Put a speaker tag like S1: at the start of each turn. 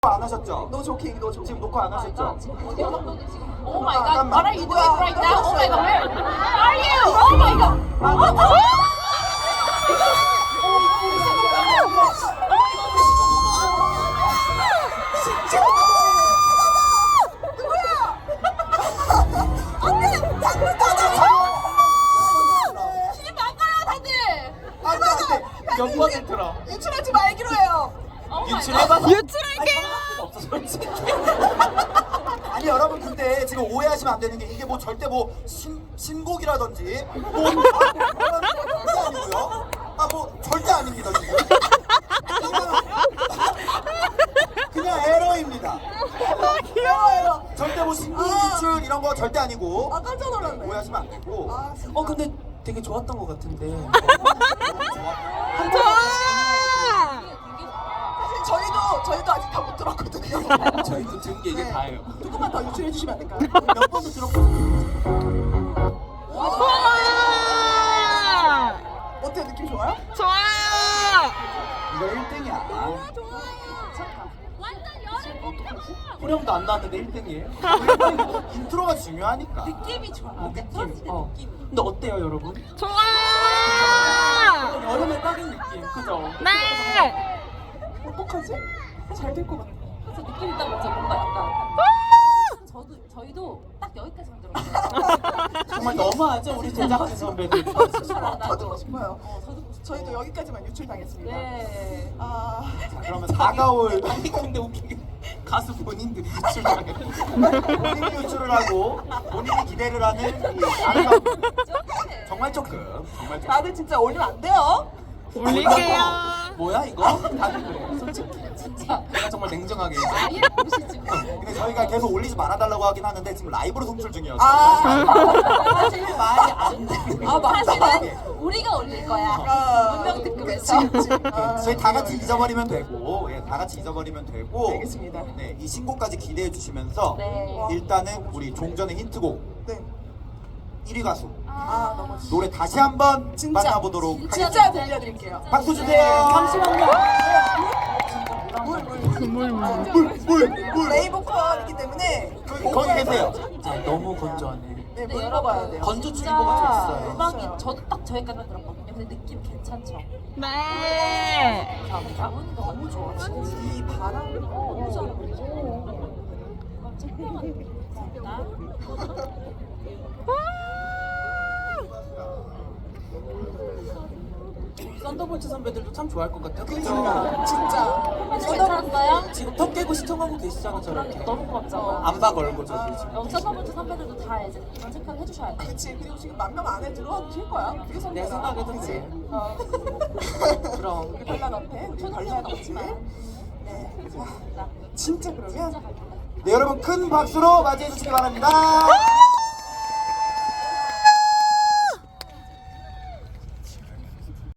S1: 안 하셨죠?
S2: No joking, no joking.
S1: 지금 녹화 안 하셨죠?
S3: Oh my god, what are you doing right now? Oh my god, where are you? Oh my god. 신이 바꿔요, 다들.
S1: 안돼
S4: 몇 번을 들어?
S2: 유출하지 말기로 해요.
S4: 유출해봐.
S5: 유출할게요.
S4: 없어 솔직히.
S1: 아니 여러분 근데 지금 오해하시면 안 되는 게 이게 뭐 절대 뭐 신곡이라든지 뭐 절대 아니고요. 아 뭐 절대 아닙니다 지금. 그냥 에러입니다.
S2: 귀여워요.
S1: 절대 뭐 신곡 유출 이런 거 절대 아니고.
S2: 아 깜짝 놀랐네.
S1: 오해하시면 안 되고.
S2: 아 진짜.
S4: 근데 되게 좋았던 것 같은데.
S5: 좋아.
S2: 사실 저희도 아직 다 못 들었거든요.
S4: 저희도 들은 게 이게
S2: 네.
S4: 다예요.
S2: 조금만 더 유출해 주시면 안 될까요?
S1: 몇 번도 들었거든요.
S2: 어때요? 느낌 좋아요?
S5: 좋아요.
S1: 이거 1등이야.
S4: 후렴도 안 나왔는데 1등이에요?
S1: 인트로가 중요하니까.
S3: 느낌이 좋아.
S4: 느낌. 근데 어때요, 여러분?
S5: 좋아.
S4: 여름에 딱인 느낌, 그죠?
S5: 네.
S2: 어떡하지? 잘 될 것 같아.
S3: 그래서 느낌이 딱 먼저 뭔가 약간 저희도 딱 여기까지만 들었어요.
S4: 정말 너무하죠, 우리 제작진 선배들.
S2: 더 듣고 싶어요. 저희도 여기까지만 유출당했습니다.
S3: 네.
S2: 아
S1: 자, 그러면 다가올
S4: 아니 근데 웃기게 가수 본인들이 유출당해.
S1: 본인이 유출을 하고 본인이 기대를 하는 이 아름다운 정말 조금
S2: 다들 진짜 올리면 안 돼요.
S5: 올릴게요.
S4: 뭐야 이거? 다들 그래, 솔직히. 진짜. 내가 정말 냉정하게 얘기해.
S3: 아예 모르시지.
S1: 근데 저희가 계속 올리지 말아달라고 하긴 하는데 지금 라이브로 송출 중이어서
S4: 사실 말이 안 돼.
S3: 사실은 우리가 올릴 거야. 문명 특급에서.
S1: 저희 다 같이 잊어버리면 되고 다 같이 잊어버리면 되고
S2: 알겠습니다.
S1: 네, 이 신곡까지 기대해 주시면서
S3: 네.
S1: 일단은 우리 종전의 힌트곡
S2: 네.
S1: 1위 가수
S2: 아 너무
S1: 노래 다시 한번
S2: 진짜.
S1: 만나보도록
S3: 진짜
S1: 하겠습니다.
S2: 진짜 들려드릴게요.
S1: 박수 주세요.
S4: 잠시만요.
S1: 물.
S2: 레이보컨이기 때문에
S1: 거기 계세요.
S4: 아, 너무 건조하네.
S2: 네, 물 먹어야 돼요.
S4: 건조주의보가 좀 있어요.
S3: 음악이 저도 딱 저기까지만 들었거든요. 근데 느낌 괜찮죠?
S5: 네.
S3: 감사합니다. 가문이가 너무 좋아. 진짜.
S2: 이 바람
S3: 너무 잘 어울리죠? 감사합니다.
S4: 썬더볼트 선배들도 참 좋아할 것 같아요. 그죠?
S2: 그러니까 진짜
S3: 괜찮았어요?
S4: 지금 턱 깨고 시청하고 계시잖아 저렇게.
S3: 너무 고맙죠.
S4: 안바 걸고 저기 지금.
S3: 여기 서퍼먼트 선배들도 다 이제 이런 체크를 해주셔야 돼.
S2: 그치. 그리고 지금 10,000명 안에 들어와주실 거야. 그게
S4: 내
S2: 선배야.
S4: 생각에도
S2: 그치?
S4: 그래.
S2: 어.
S4: 그럼.
S2: 우리 별난 앞에 우리 별난 없지. 네. 자, 진짜 그러면
S1: 네 여러분 큰 박수로 맞이해 주시기 바랍니다.